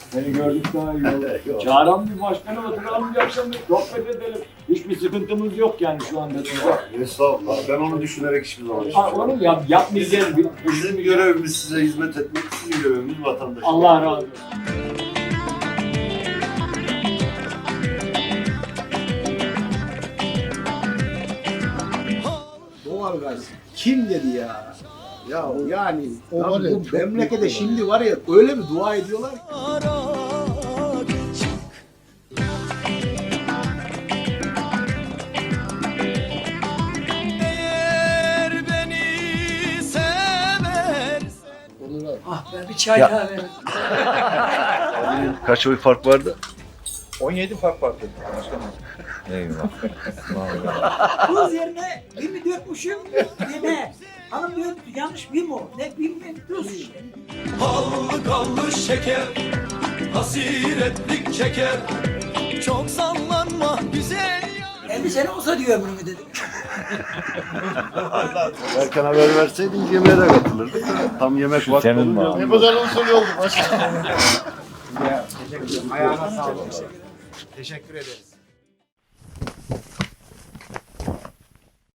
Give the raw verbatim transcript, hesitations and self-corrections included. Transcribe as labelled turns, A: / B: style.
A: Seni gördük daha iyi oldu. Çağıran bir başkanı oturalım bir akşam bir sohbet edelim. Hiçbir sıkıntımız yok yani şu anda.
B: Estağfurullah. Ben onu düşünerek hiçbir zaman
A: Ha, onu yap, yapmayacağız. Bir-
B: Bizim görevimiz size hizmet etmek, sizin görevimiz vatandaş.
A: Allah razı olsun.
C: Doğalgaz kim dedi ya? Ya yani
D: o
C: ya
D: var ya,
C: bu
D: çok
C: memlekete
D: büyük
C: şimdi var ya öyle bir dua ediyorlar ki.
E: Ah be bir çay daha verin.
B: Kaç oy fark vardı?
F: on yedi fark vardı başkanım.
B: Eyvallah.
E: Tuz yerine bir mi dökmüşüm ne? Hanım diyor yanlış bir mi o? Ne bir mi tuz işte.
G: Ballı kallı şeker, hasiretlik çeker. Çok sallanma güzel ya.
E: elli sene olsa diyor ömrümü dedim.
B: Erken haber verseydin yemeğe de katılırdık. Tam yemek vakti olunca.
D: Ne kadar usul oldu başkanım.
C: Ayağına sağlık. Teşekkür ederiz.